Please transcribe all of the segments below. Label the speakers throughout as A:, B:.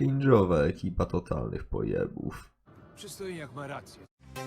A: cringe'owa ekipa totalnych pojebów.
B: Przystojniak ma rację.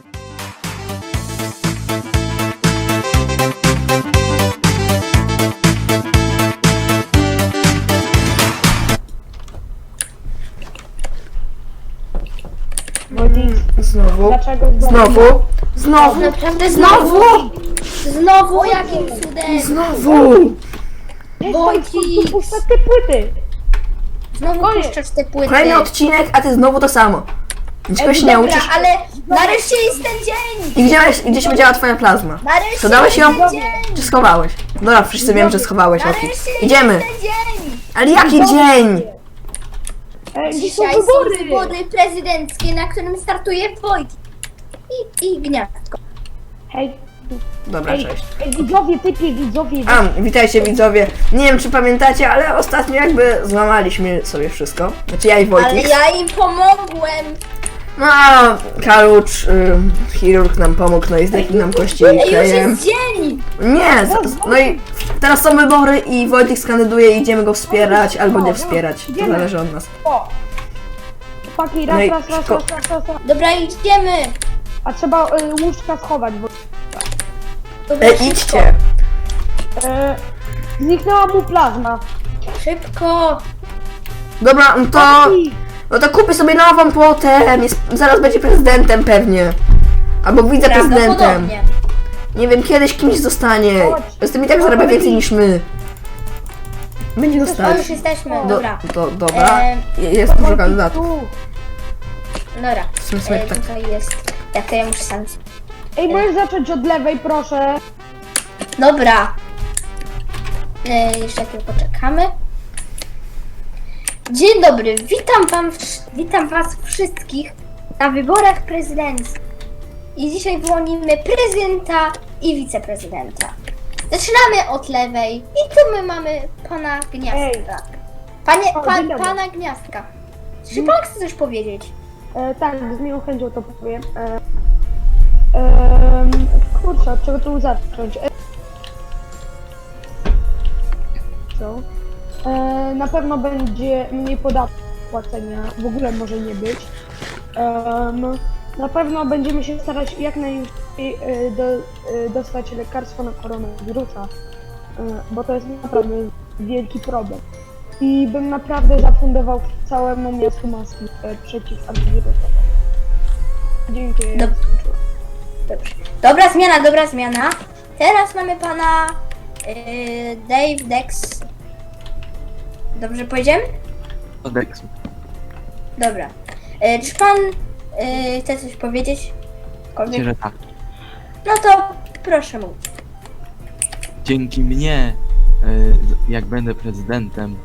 C: Znowu.
D: Dlaczego
C: Znowu. Znowu.
E: Naprawdę
C: Znowu.
E: Znowu jakim cudem?
C: Znowu.
E: Wojciech!
D: puszczać te płyty?
E: Znowu
D: Koniec.
E: puszczasz te płyty.
C: Kolejny odcinek, a ty znowu to samo. Niczego się nie
E: Dobra,
C: uczysz.
E: ale nareszcie jest ten dzień!
C: I gdzie się podziała twoja plazma?
E: Nareszcie
C: To dałeś
E: jest
C: ją?
E: ten dzień!
C: Czy schowałeś? Dobra, wszyscy wiem, że schowałeś. Oki.
E: Nareszcie
C: Idziemy.
E: jest ten dzień!
C: Ale jaki dzień?
D: Gdzie są
E: Dzisiaj są
D: wybory?
E: wybory prezydenckie, na którym startuje Wojciech. I Gniazdko.
D: Hej,
C: Dobra, cześć.
D: widzowie, widzowie.
C: Witajcie widzowie. Nie wiem czy pamiętacie, ale ostatnio jakby złamaliśmy sobie wszystko. Znaczy ja i
E: Ale
C: Wojciech.
E: ja im pomogłem!
C: No, Kalucz, chirurg nam pomógł, no i zdechli nam kości
E: Ej, już
C: klejem.
E: jest dzień!
C: Nie, no i teraz są wybory i Wojtek skandyduje i idziemy go wspierać albo nie wspierać. To zależy od nas.
D: O! Chłopaki,
C: No i
D: raz.
E: Dobra, idziemy!
D: A trzeba łóżka schować, bo
E: Dobra, szybko.
C: Idźcie.
D: zniknęła mu plazma.
E: Szybko!
C: Dobra, no to kupię sobie nową potem. Zaraz będzie prezydentem pewnie. Albo wiceprezydentem.
E: Prawdopodobnie.
C: Nie wiem, kiedyś kimś zostanie.
D: Chodź.
C: Z tym i tak zarabia więcej niż my. Będzie
E: To
C: dostać.
E: już jesteśmy, dobra.
C: Dobra. Jest dużo kandydatów.
D: Tu.
E: Dobra,
C: W sumie sobie tak.
E: tutaj jest. Ja muszę sam...
D: Ej, możesz zacząć od lewej, proszę.
E: Dobra. Jeszcze chwilę poczekamy. Dzień dobry, witam was wszystkich na wyborach prezydenckich. I dzisiaj wyłonimy prezydenta i wiceprezydenta. Zaczynamy od lewej i tu my mamy pana Gniazdka.
D: Dzień dobry.
E: Pana Gniazdka. Czy pan chce coś powiedzieć?
D: Tak, z miłą chęcią to powiem. Kurczę, od czego tu zacząć? Co? Na pewno będzie mniej podatków płacenia, w ogóle może nie być. Na pewno będziemy się starać jak najlepiej dostać lekarstwo na koronawirusa, bo to jest naprawdę wielki problem. I bym naprawdę zafundował całemu miastu maski przeciwantywirusowe. Dziękuję.
E: Dobrze. Dobra zmiana. Teraz mamy pana Dave Dex. Dobrze powiedziałem?
F: Odeksu.
E: Dobra. Czy pan chce coś powiedzieć?
F: Myślę, że tak.
E: No to proszę mówić.
F: Dzięki mnie, jak będę prezydentem,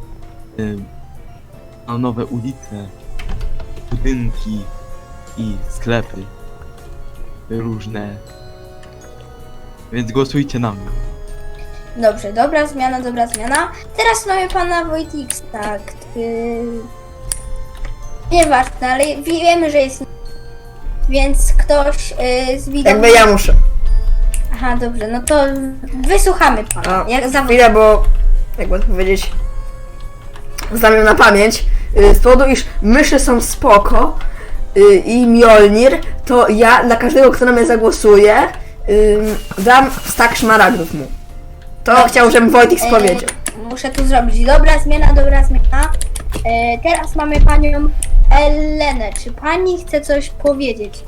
F: mam nowe ulice, budynki i sklepy różne. Więc głosujcie na mnie.
E: Dobrze, dobra zmiana. Teraz mamy pana Wojtiksa, nieważne, ale wiemy, że jest... Więc ktoś z widzów...
C: Jakby ja muszę.
E: Aha, dobrze, no to wysłuchamy pana.
C: Chwilę, bo jakby to powiedzieć, znam ją na pamięć. Z powodu, iż myszy są spoko i Mjolnir, to ja dla każdego, kto na mnie zagłosuje, dam stack szmaragdów mu. To chciał, żebym Wojtek powiedział.
E: Muszę tu zrobić. Dobra zmiana. Teraz mamy panią Elenę. Czy pani chce coś powiedzieć?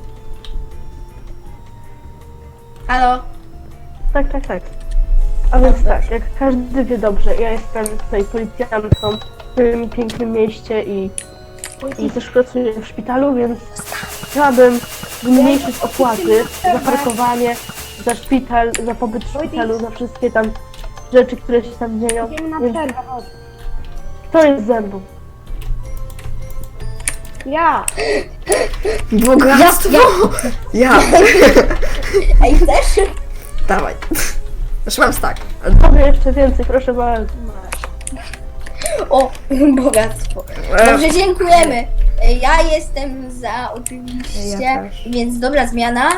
E: Halo?
G: Tak. A więc tak, jak każdy wie dobrze, ja jestem tutaj policjantką w tym pięknym mieście i też pracuję w szpitalu, więc chciałabym zmniejszyć opłaty za parkowanie, za szpital, za pobyt w szpitalu, za wszystkie tam rzeczy, które się tam dzieją.
D: Idziemy na
G: Więc
D: przerwę, chodź.
G: kto jest ze mną?
D: Ja!
C: Bogactwo! Ja!
E: Ej, chcesz?
C: Dawaj. Znaczy mam stack.
G: Mogę jeszcze więcej, proszę bardzo.
E: O, bogactwo. Dobrze, dziękujemy. Ja jestem za oczywiście,
C: Ja też.
E: więc dobra zmiana.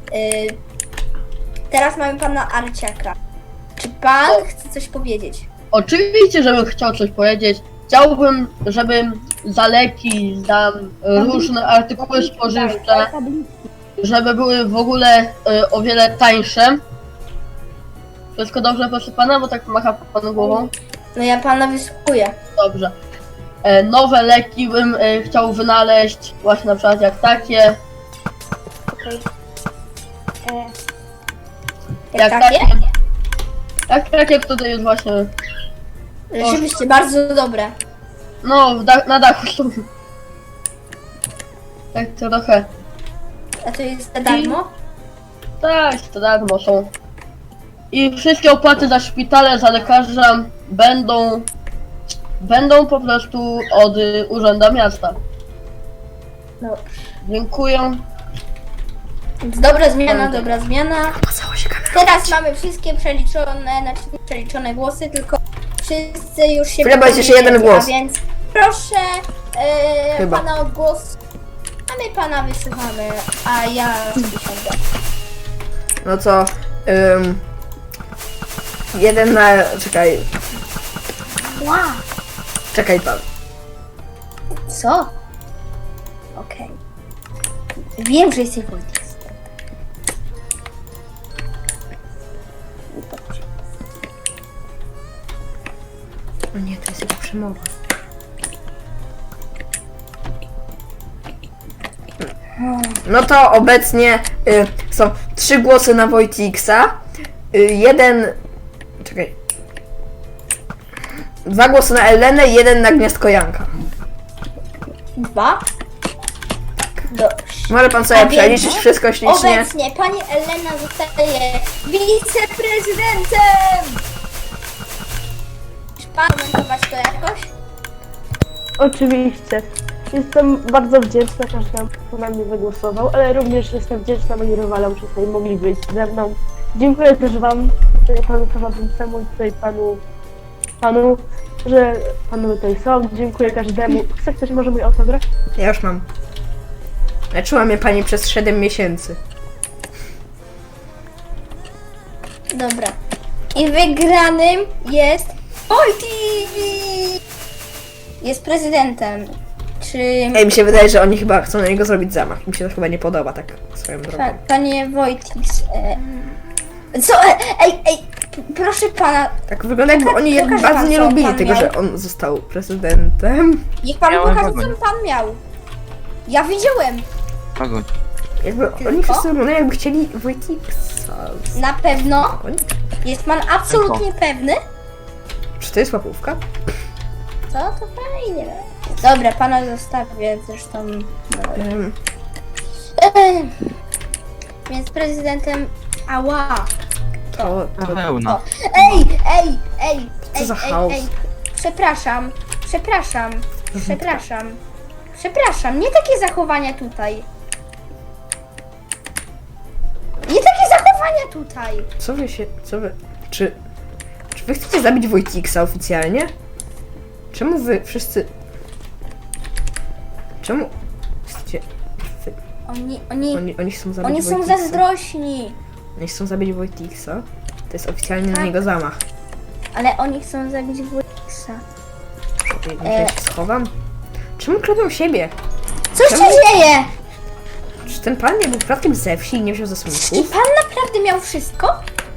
E: Teraz mamy pana Arciaka. Czy pan chce coś powiedzieć?
H: Oczywiście, żebym chciał coś powiedzieć. chciałbym, żeby za leki, za różne artykuły spożywcze, żeby były w ogóle o wiele tańsze. Wszystko dobrze, proszę pana, bo tak macha pan głową.
E: No ja pana wysłuchuję.
H: Dobrze. Nowe leki bym chciał wynaleźć, właśnie na przykład jak takie.
D: Okej.
E: Jak takie?
H: Jak takie, które jest właśnie,
E: Rzeczywiście, bardzo dobre.
H: no na dachu są. Tak trochę.
E: A to jest za darmo?
H: Tak, to darmo są. I wszystkie opłaty za szpitale, za lekarza będą po prostu od Urzędu Miasta.
E: No.
H: Dziękuję.
E: Dobra zmiana, dobra zmiana.
C: Pocało się kamerą.
E: Teraz mamy wszystkie przeliczone, znaczy nie przeliczone głosy, tylko wszyscy już się
C: Chwilę, bo jest jeszcze jeden
E: wypowiedzieli,
C: głos.
E: A więc proszę
C: Chyba.
E: pana o głos, a my pana wysłuchamy, a ja wysiądę.
C: No co? Jeden na... Czekaj.
E: Wow.
C: Czekaj pan.
E: Co? Okej. Wiem, że jesteś Wojtek.
C: O nie, to jest jego przemowa. No to obecnie są 3 głosy na Wojtiksa. Jeden... Czekaj. 2 głosy na Elenę i 1 na Gniazdko Janka.
E: 2. Dobrze.
C: Może pan sobie
E: A więc
C: przeliczyć wszystko ślicznie.
E: Obecnie pani Elena zostaje wiceprezydentem! Czy pan komentować to jakoś?
G: Oczywiście. Jestem bardzo wdzięczna każdemu, kto na mnie wygłosował, ale również jestem wdzięczna moim rywalom, że tutaj mogli być ze mną. Dziękuję też wam, panu prowadzącemu i tutaj panu, że panowie tutaj są. Dziękuję każdemu. Chce ktoś może mój autograf?
C: Ja już mam. Leczyła mnie pani przez 7 miesięcy.
E: Dobra. I wygranym jest Wojtik! Jest prezydentem. Czy...
C: Ej, mi się wydaje, że oni chyba chcą na niego zrobić zamach. Mi się to chyba nie podoba, tak swoją drogą.
E: Panie Wojtik... Co? Proszę pana,
C: Tak wygląda, jakby oni
E: pokaże
C: bardzo
E: pan,
C: nie
E: co
C: lubili
E: pan
C: tego,
E: miał.
C: że on został prezydentem.
E: niech pan
F: Miałem
E: pokaże, co
F: wagonik.
E: pan miał. Ja widziałem.
F: Wagoń.
C: Jakby
E: Tylko?
C: oni wszyscy wyglądają, jakby chcieli Wojtiksa.
E: Na pewno.
C: Oni-
E: Jest pan absolutnie pewny?
C: Czy to jest łapówka?
E: Co? To fajnie. Dobra, pana zostawię zresztą. No. Więc prezydentem... Ała.
C: To
F: Pełna.
C: Co za chaos?
E: Przepraszam. Nie takie zachowania tutaj.
C: Czy wy chcecie zabić Wojtiksa oficjalnie? Czemu wy wszyscy... Czemu chcecie... Oni chcą zabić
E: Oni są
C: Wojtiksa.
E: zazdrośni.
C: Oni chcą zabić Wojtiksa. To jest oficjalnie na
E: Tak.
C: niego zamach.
E: Ale oni chcą zabić Wojtiksa.
C: Może ja się schowam? Czemu klepią siebie?
E: Co się
C: Czemu?
E: dzieje?
C: Czy ten pan nie był przypadkiem ze wsi i nie wziął
E: I
C: zasłonków?
E: pan naprawdę miał wszystko?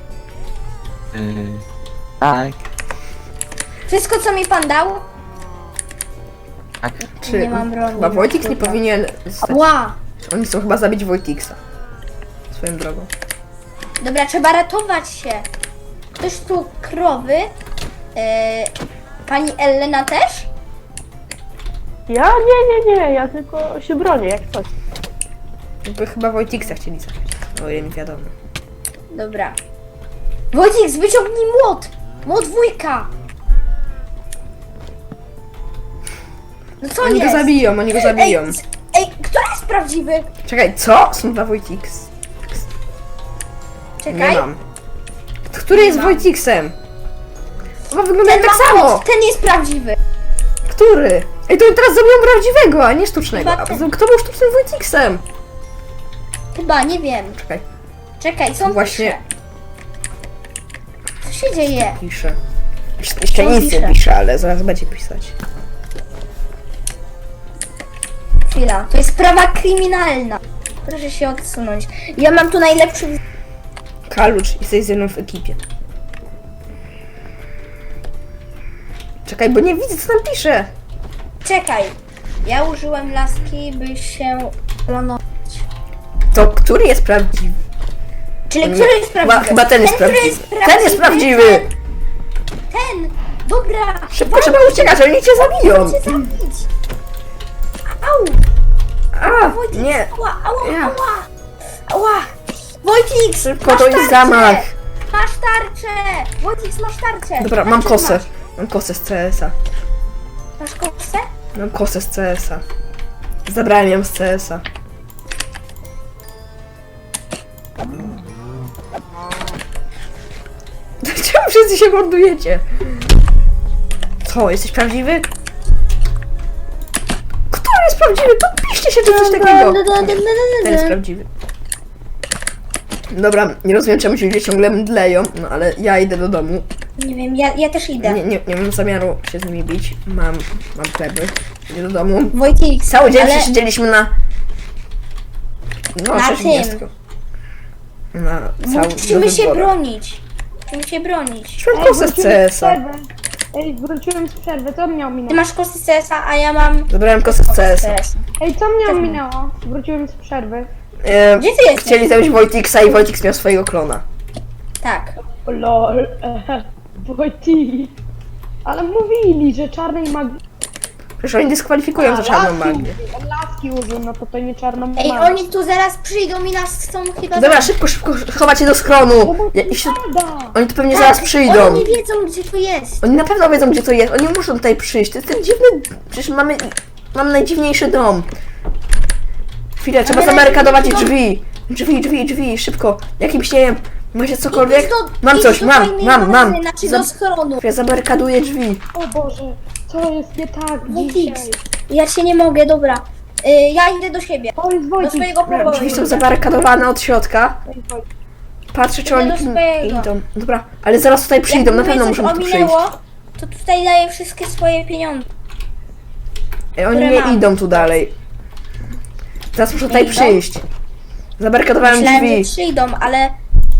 F: Tak.
E: Wszystko, co mi pan dał?
F: Tak.
C: Czy
E: Nie mam broni.
C: chyba Wojtik nie powinien zostać...
E: Ła!
C: Oni chcą chyba zabić Wojtiksa. Swoją drogą.
E: Dobra, trzeba ratować się. Ktoś tu krowy? Pani Elena też?
G: Ja? Nie, ja tylko się bronię, jak coś.
C: Jakby chyba Wojtiksa chcieli zabić. O ile mi wiadomo.
E: Dobra. Wojtik, wyciągnij młot! Młot wujka! No co
C: Oni go
E: jest?
C: zabiją.
E: Ej, kto jest prawdziwy?
C: Czekaj, co? Są 2 Wojtiks.
E: Czekaj.
C: Nie mam. Który jest
E: mam.
C: Wojtiksem? Chyba wyglądają
E: Ten
C: tak
E: ma
C: samo.
E: młot, ten jest prawdziwy.
C: Który? Ej, to teraz zrobią prawdziwego, a nie sztucznego.
E: Chyba
C: A
E: ten.
C: poza tym, kto był sztucznym Wojtiksem?
E: Chyba, nie wiem.
C: Czekaj,
E: Są
C: właśnie
E: Co się dzieje?
C: piszę. Jeszcze nic nie
E: pisze?
C: pisze, ale zaraz będzie pisać.
E: chwila. To jest sprawa kryminalna. Proszę się odsunąć. Ja mam tu najlepszy...
C: Kalucz, jesteś ze mną w ekipie. Czekaj, bo nie widzę, co tam pisze.
E: Czekaj. Ja użyłem laski, by się klonować.
C: To który jest prawdziwy?
E: Czyli który jest prawdziwy?
C: Chyba ten jest
E: który
C: prawdziwy. Ten jest prawdziwy!
E: Ten! Dobra!
C: Szybko trzeba uciekać, oni cię zabiją!
E: Chcę zabić! Au!
C: A,
E: Wojtek,
C: nie.
E: Ała, ała,
C: Ja.
E: ała! Ała! Wojtik!
C: Szybko,
E: masz
C: to jest
E: tarczę!
C: zamach.
E: Masz tarczę! Wojtik, masz tarczę!
C: Dobra, mam
E: Tarczę
C: kosę.
E: masz.
C: Mam kosę z CS-a.
E: Masz kosę?
C: Mam kosę z CS-a. Zabrałem ją z CS-a. Czemu wszyscy się mordujecie? Co, jesteś prawdziwy? Kto jest prawdziwy? Podpiszcie się, czy coś takiego. Ten jest prawdziwy. Dobra, nie rozumiem, czemu ci ludzie ciągle mdleją, no ale ja idę do domu.
E: Nie wiem, ja też idę.
C: Nie mam zamiaru się z nimi bić. Mam pleby. Idę do domu.
E: Wojtik,
C: Cały dzień
E: ale
C: przesiedzieliśmy na... No,
E: Na
C: 60. Na cały
E: musimy się
C: wyborach.
E: bronić. Musimy się bronić.
C: Mam kosę z CS-a.
D: Ej, wróciłem z przerwy, co mnie
E: Ty
D: ominęło?
E: masz kosy z CS-a, a ja mam...
C: Zabrałem kosę z CS-a.
D: Ej, co mnie ominęło? Wróciłem z przerwy.
E: Gdzie ty jesteś?
C: Chcieli zabić Wojtiksa i Wojtiks miał swojego klona.
E: Tak.
D: O lol, Wojtik. Ale mówili, że czarnej magii...
C: Przecież oni dyskwalifikują za czarną magię.
D: Laski użył, no to nie czarną magię.
E: Ej, oni tu zaraz przyjdą i nas chcą chyba...
C: Dobra, szybko, chować się do skronu. Oni tu pewnie zaraz przyjdą.
E: Tak, Oni nie wiedzą, gdzie to jest.
C: Oni na pewno wiedzą, gdzie to jest. Oni muszą tutaj przyjść. To jest ten dziwny... Przecież mam najdziwniejszy dom. Chwilę, trzeba
E: Mamy
C: zabarykadować
E: najdziwniejszy
C: drzwi. Szybko. Jakimś, nie wiem, macie cokolwiek?
E: Idź
C: Mam
E: idź
C: coś,
E: do
C: mam.
E: fajnej bazy, Znaczy do schronu.
C: Ja zabarykaduję drzwi.
D: O Boże, co jest nie tak
E: Wojtik,
D: dzisiaj?
E: ja się nie mogę, dobra. Ja idę do siebie.
D: To jest
E: Do
D: Wojtik.
E: swojego pokoju.
C: Drzwi są zabarykadowane od środka. Patrzę, czy
E: Idę
C: oni
E: do swojego.
C: idą. Dobra, ale zaraz tutaj przyjdą, na pewno muszą tu przyjść.
E: To tutaj daję wszystkie swoje pieniądze.
C: Ej, oni
E: które
C: nie
E: mam.
C: idą tu dalej. Teraz muszą tutaj
E: idą?
C: przyjść. Zabarykadowałem
E: Myślałem,
C: drzwi.
E: że przyjdą, ale...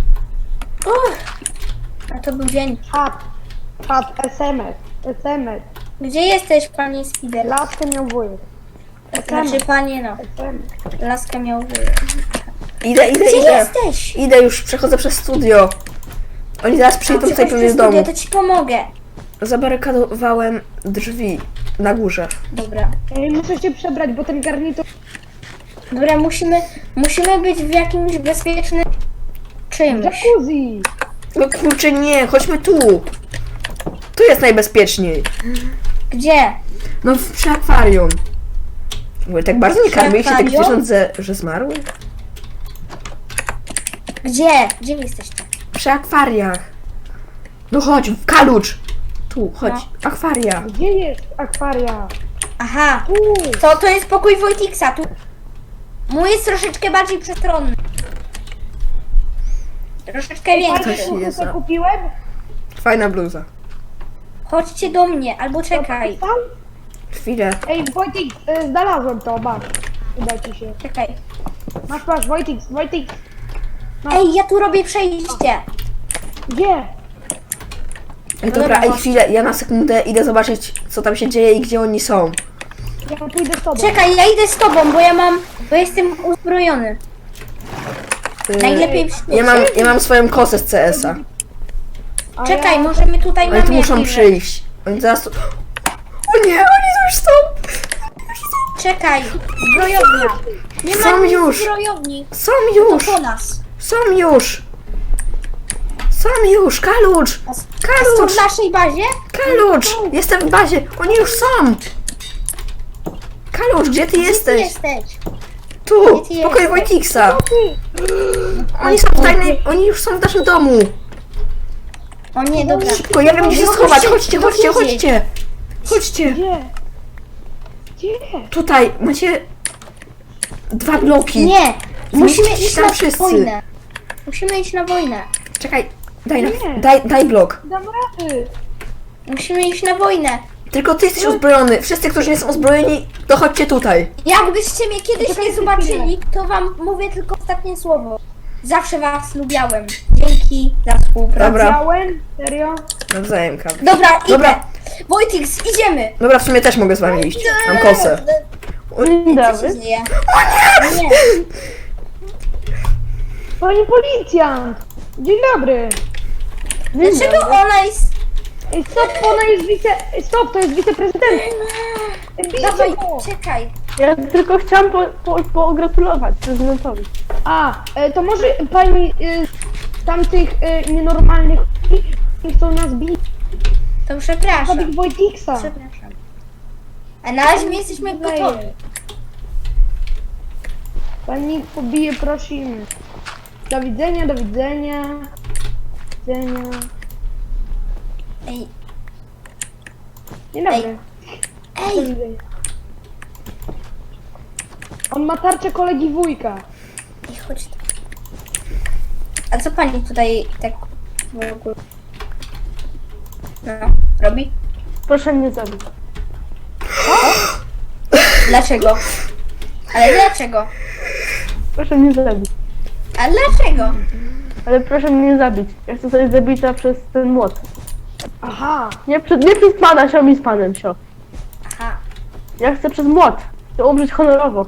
E: A to był dzień.
D: Czat, SMS.
E: Gdzie jesteś, panie Spider?
D: Laskę miał wujek.
E: Znaczy, panie no. Laskę miał wujek.
C: Idę.
E: Gdzie jesteś?
C: Idę już, przechodzę przez studio. Oni zaraz przyjdą tutaj
E: Przychodź
C: pewnie
E: przez
C: z domu.
E: studio, to ci pomogę.
C: Zabarykadowałem drzwi na górze.
E: Dobra.
D: Ej, muszę się przebrać, bo ten garnitur...
E: Dobra, musimy być w jakimś bezpiecznym czymś.
D: Jacuzzi!
C: No kurczę, nie, chodźmy tu. Tu jest najbezpieczniej.
E: Gdzie?
C: No przy akwarium. Mówię, tak bardzo nie
E: Przy
C: karmiliście tych
E: akwarium?
C: zwierząt, że zmarły?
E: Gdzie? Gdzie wy jesteście?
C: Przy akwariach. No chodź, Kalucz. Tu, chodź, akwaria.
D: Gdzie jest akwaria?
E: Aha, to jest pokój Wojtiksa. Tu. Mój jest troszeczkę bardziej przestronny. Troszeczkę większy.
C: Coś jest,
D: Co
C: no.
D: kupiłem?
C: Fajna bluza.
E: Chodźcie do mnie, albo czekaj.
D: Tam?
C: Chwilę.
D: Ej, Wojtik, znalazłem to, masz. Uda ci się.
E: Czekaj.
D: Masz, Wojtik.
E: Ej, ja tu robię przejście.
D: Gdzie?
C: Ej, dobra,
E: dobra,
C: ej,
E: chodź.
C: chwilę, ja na sekundę idę zobaczyć, co tam się dzieje i gdzie oni są.
D: Ja pójdę z tobą.
E: Czekaj, ja idę z tobą, bo jestem uzbrojony. Najlepiej
C: Ja mam swoją kosę z CS-a.
D: A
E: Czekaj,
D: ja...
E: możemy tutaj
C: Oni
E: mamy
C: tu muszą
E: jakieś-
C: przyjść. Oni zaraz tu... O nie, oni tu już są!
E: Czekaj, zbrojownia. Nie
C: Są
E: ma nic
C: już.
E: zbrojowni.
C: Są
E: To
C: już!
E: po nas.
C: Są już! Kalucz!
E: Są
C: Kalucz!
E: w naszej bazie?
C: Kalucz! Jestem w bazie! Oni już są! Kalucz, gdzie ty
E: Gdzie ty
C: jesteś?
E: jesteś?
C: Tu!
E: Gdzie ty
C: W pokoju
E: jesteś?
C: Wojtiksa! Oni już są w naszym domu!
E: O nie, dobra.
C: Szybko, ja wiem gdzie się
E: mogę
C: schować!
E: się
C: Chodźcie!
E: dowiedzieć.
C: Chodźcie!
D: Gdzie?
C: Tutaj macie 2 bloki.
E: Nie, musimy
C: Zmieścicie
E: iść
C: tam
E: na
C: wszyscy.
E: wojnę. Musimy iść na wojnę.
C: Czekaj,
D: Nie.
C: daj blok.
D: Dam rady.
E: Musimy iść na wojnę.
C: Tylko ty jesteś uzbrojony. Wszyscy, którzy nie są uzbrojeni, to chodźcie tutaj.
E: Jakbyście mnie kiedyś nie zobaczyli, to wam mówię tylko ostatnie słowo. Zawsze was lubiałem. Dzięki za współpracę.
C: Dobra.
D: Widziałem? Serio?
C: Nawzajem, kam.
E: Dobra, idę.
C: Dobra.
E: Wojtix, idziemy.
C: Dobra, w sumie też mogę z wami iść. Mam kosę.
G: Dzień
E: Co się
G: dobry.
E: dzieje? Nie.
D: Pani policjant! Dzień dobry!
E: Dlaczego ona jest...
D: Ej, stop, ona jest Stop, to jest wiceprezydent!
E: Dawaj, czekaj.
G: Ja tylko chciałam pogratulować prezydentowi.
D: To może pani tamtych nienormalnych ludzi chcą nas bić?
E: To przepraszam.
D: Zabij Wojtiksa!
E: Przepraszam. A na razie my jesteśmy gotowi.
D: Pani pobije, prosimy. Do widzenia, do widzenia. Do widzenia.
E: Ej,
D: Dzień dobry. Do
E: ej,
D: widzenia. On ma tarczę kolegi wujka.
E: ej, chodź tu. A co pani tutaj tak w ogóle... No, robi?
G: Proszę mnie zabić.
E: Dlaczego? Ale dlaczego?
G: Proszę mnie zabić.
E: A dlaczego?
G: Ale proszę mnie zabić. Ja chcę zostać zabita przez ten młot.
D: Aha.
G: Nie przez pana, sio mi z panem, sio.
E: Aha.
G: Ja chcę przez młot. Chcę umrzeć honorowo.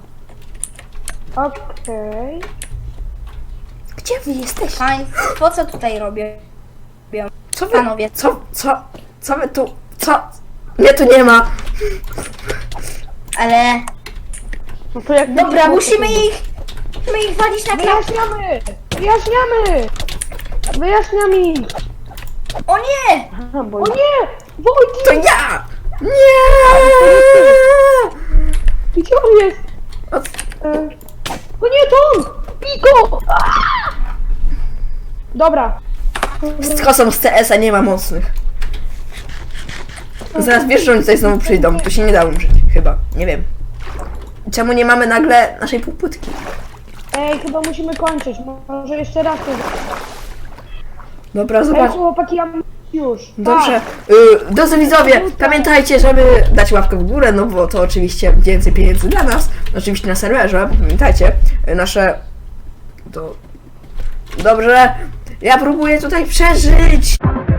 D: Okej.
C: Gdzie wy jesteście?
E: Państwo co tutaj robię?
C: Co wy...
E: Panowie.
C: Co wy tu... Co? Mnie tu nie ma.
E: Ale...
G: No to jak...
E: Dobra, musimy ich walić na klapę.
D: Wyjaśniamy! Wyjaśniamy! Wyjaśniam ich!
E: O nie!
G: Aha, bo...
D: O nie! Wojtik!
C: To ja! Nie!
D: Gdzie on jest? To nie to on! Piko! Dobra.
C: Z kosą z CS-a nie ma mocnych. Zaraz wiesz, że oni tutaj znowu przyjdą. To się nie da umrzeć. Chyba. Nie wiem. Czemu nie mamy nagle naszej półpłytki?
D: Ej, chyba musimy kończyć. Może jeszcze raz to...
C: Dobra,
D: Ej,
C: zobacz.
D: chłopaki, ja już.
C: Dobrze. Drodzy widzowie, pamiętajcie, żeby dać łapkę w górę, no bo to oczywiście więcej pieniędzy dla nas. Oczywiście na serwerze, pamiętajcie. Nasze... To... Dobrze. Ja próbuję tutaj przeżyć.